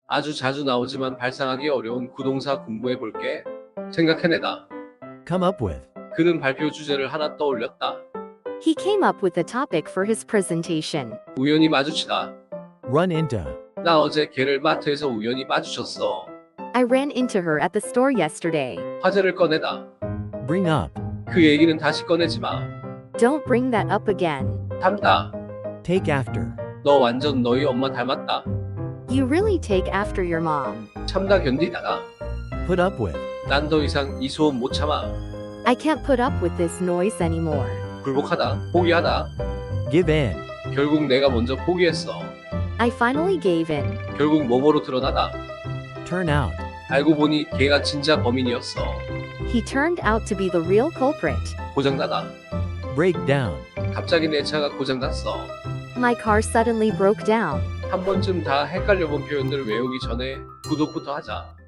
아주 자주 나오지만 발상하기 어려운 구동사 공부해 볼게. 생각해내다. Come up with. 그는 발표 주제를 하나 떠올렸다. He came up with a topic for his presentation. 우연히 마주치다. Run into. 나 어제 걔를 마트에서 우연히 마주쳤어. I ran into her at the store yesterday. 화제를 꺼내다. Bring up. 그 얘기는 다시 꺼내지 마. Don't bring that up again. 닮다. Take after. 너 완전 너희 엄마 닮았다. You really take after your mom. 참다 견디다가. Put up with. 난 더 이상 이 소음 못 참아. I can't put up with this noise anymore. 굴복하다. 포기하다. Give in. 결국 내가 먼저 포기했어. I finally gave in. 결국 모모로 드러나다. Turn out. 알고 보니 걔가 진짜 범인이었어. He turned out to be the real culprit. 고장나다. Break down. 갑자기 내 차가 고장났어. My car suddenly broke down. 한 번쯤 다 헷갈려본 표현들 외우기 전에 구독부터 하자.